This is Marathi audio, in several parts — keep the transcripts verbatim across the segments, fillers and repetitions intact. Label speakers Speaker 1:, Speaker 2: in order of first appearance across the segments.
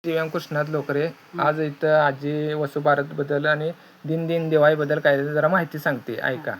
Speaker 1: दिव्यांग कृष्णात लोकरे. आज इथं आजी वसुबारत बद्दल आणि दिन दिन दिवाळी बद्दल काय जरा माहिती सांगते, ऐका.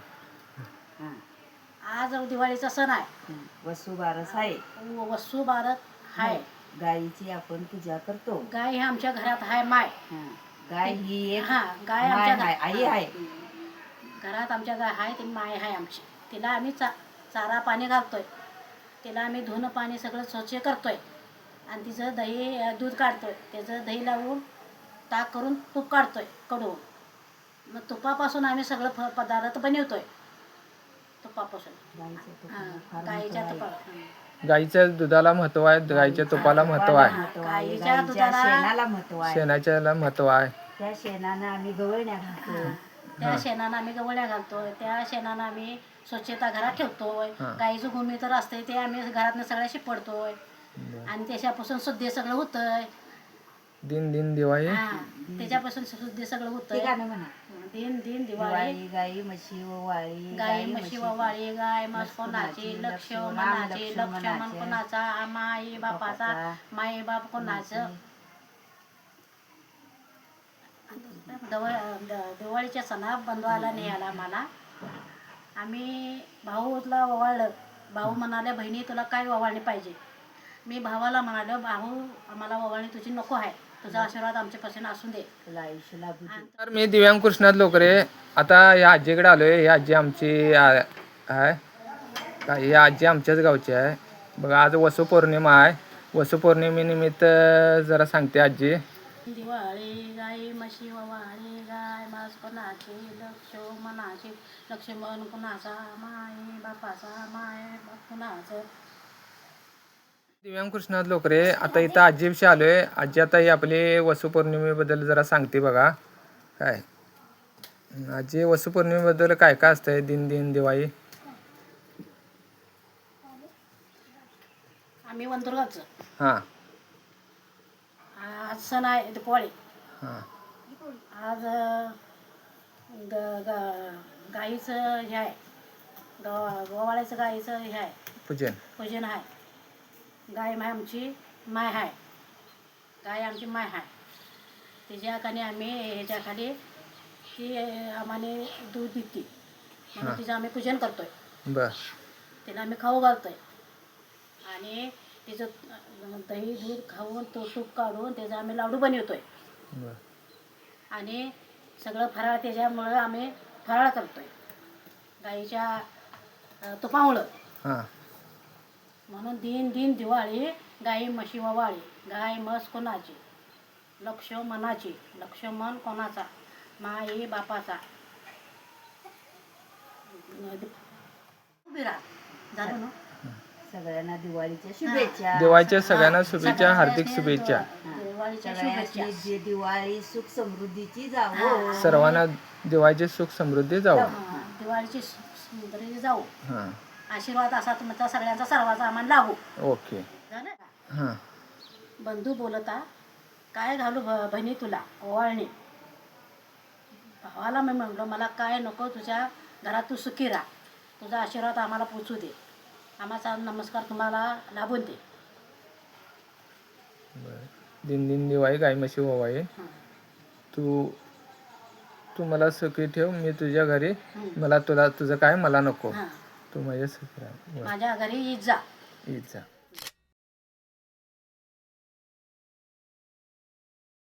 Speaker 2: आज दिवाळीचा सण आहे,
Speaker 3: वसुबारस आहे.
Speaker 2: वसुबारत आहे.
Speaker 3: गायीची आपण पूजा करतो.
Speaker 2: गाय ही आमच्या घरात आहे माय.
Speaker 3: गाय ही एक
Speaker 2: हा गाय आमच्या
Speaker 3: माय आई आहे.
Speaker 2: घरात आमच्या गाय आहे, ती माय आहे आमची. तिला आम्ही चा चारा पाणी घालतोय, तिला आम्ही धुणं पाणी सगळं स्वच्छ करतोय आणि तिचं दही दूध काढतोय, त्याचं दही लावून ताक करून तूप काढतोय कडवून. मग तुपापासून आम्ही सगळं फ पदार्थ बनवतोय. तुपापासून हां गाईच्या तुपा
Speaker 1: गाईच्या दुधाला महत्व आहे, गाईच्या तुपाला महत्व आहे,
Speaker 2: गाईच्या दुधाला
Speaker 3: शेणाला महत्व आहे,
Speaker 1: शेणाच्याला महत्व आहे.
Speaker 3: त्या शेणानं आम्ही गवळण्या घालतो.
Speaker 2: त्या शेणानं आम्ही गवळ्या घालतोय, त्या शेणानं आम्ही स्वच्छता घरात ठेवतोय. गाईचं भूमी तर असते ते आम्ही घरातनं सगळ्या शिपडतोय आणि त्याच्यापासून शुद्ध सगळं होतंय.
Speaker 1: दिन दिन दिवाळी
Speaker 2: त्याच्यापासून शुद्ध सगळं होतंय. दिन दिन दिवाळी.
Speaker 3: गाई म्हशी वाळी,
Speaker 2: गाई म्हशी वाळी, गाय म्हस कोणाची, लक्ष्मणाची, लक्ष्मण कोणाचा, माई बापाचा, माई बाप कोणाचं. दिवाळीच्या सणा बंधवाला न्यायला मला आम्ही भाऊला ओवाळलं. भाऊ म्हणाले, बहिणी तुला काय ओवाळणी पाहिजे. मी भावाला म्हणालो, भाऊ आम्हाला ओवाळणी तुझी नको आहे, तुझा आशीर्वाद आमच्यापासून असून दे.
Speaker 1: तर मी दिव्यांग कृष्णात लोकरे. आता या आजीकडे आलोय. या आजी आमची आहे, ही आजी आमच्याच गावची आहे. बघा आज वसुपौर्णिमा आहे. वसुपौर्णिमेनिमित्त जरा सांगते आजी.
Speaker 2: दिवाळी गाई म्हशी वाळी, गाय म्हस कोणाची, लक्ष्मणाची, लक्ष्मण कोणाचा, माई बापाचा, माय बाप कोणाचं.
Speaker 1: दिव्यांग कृष्णात लोकरे. आता इथं आजीविषयी आलोय. आजी आता ही आपली वसुपौर्णिमेबद्दल जरा सांगते बघा. काय आजी वसुपौर्णिमेबद्दल काय काय असतंय दिन दिन दिवाळी.
Speaker 2: आम्ही वंदुरगावचं.
Speaker 1: हां
Speaker 2: आज सण आहे दिवाळी.
Speaker 1: हां
Speaker 2: आज ग ग गाईचं हे आहे, गवा गोवाळ्याचं गाईचं हे आहे,
Speaker 1: पूजन
Speaker 2: पूजन आहे. गाय माय आमची माय आहे, गाय आमची माय आहे. तिच्या खाली आम्ही ह्याच्या खाली ती आम्हाला दूध देते म्हणून तिचं आम्ही पूजन करतोय.
Speaker 1: बर
Speaker 2: तिला आम्ही खाऊ घालतोय आणि तिचं दही दूध खाऊन तो तूप काढून त्याचा आम्ही लाडू बनवतोय आणि सगळं फराळ त्याच्यामुळं आम्ही फराळ करतोय गाईच्या तुपामुळं.
Speaker 1: हां
Speaker 2: म्हणून दिन दिन दिवाळी गाई म्हशी वाळी, गाय म्हस कोणाची, लक्ष्मणाची, लक्ष्मण कोणाचा, माई बापाचा. उभी राहा झालं ना.
Speaker 3: सगळ्यांना दिवाळीच्या शुभेच्छा.
Speaker 1: दिवाळीच्या सगळ्यांना शुभेच्छा, हार्दिक शुभेच्छा.
Speaker 2: दिवाळीच्या शुभेच्छा.
Speaker 3: जे दिवाळी सुख समृद्धीची जावो.
Speaker 1: सर्वांना दिवाळीची सुख समृद्धी जावो.
Speaker 2: दिवाळीची समृद्धी जाऊ.
Speaker 1: हां
Speaker 2: आशीर्वाद असा तुमचा सगळ्यांचा सर्वांचा आम्हाला लागू.
Speaker 1: ओके
Speaker 2: झालं.
Speaker 1: हां
Speaker 2: बंधू बोलता, काय घालू ब बहिणी तुला ओवाळणी. भावाला मी म्हणलो, मला काय नको, तुझ्या घरात तू सुखी राहा, तुझा आशीर्वाद आम्हाला पोचू दे, आम्हाचा नमस्कार तुम्हाला लाभून दे.
Speaker 1: दिन दिन दिवाळी गाय म्हशी ओवाळी. तू तू मला सुखी ठेव, मी तुझ्या घरी, मला तुला तुझं काय मला नको, तू माझ्या सुखी राहा.
Speaker 2: माझ्या घरी ईद जा.
Speaker 1: ईद जा.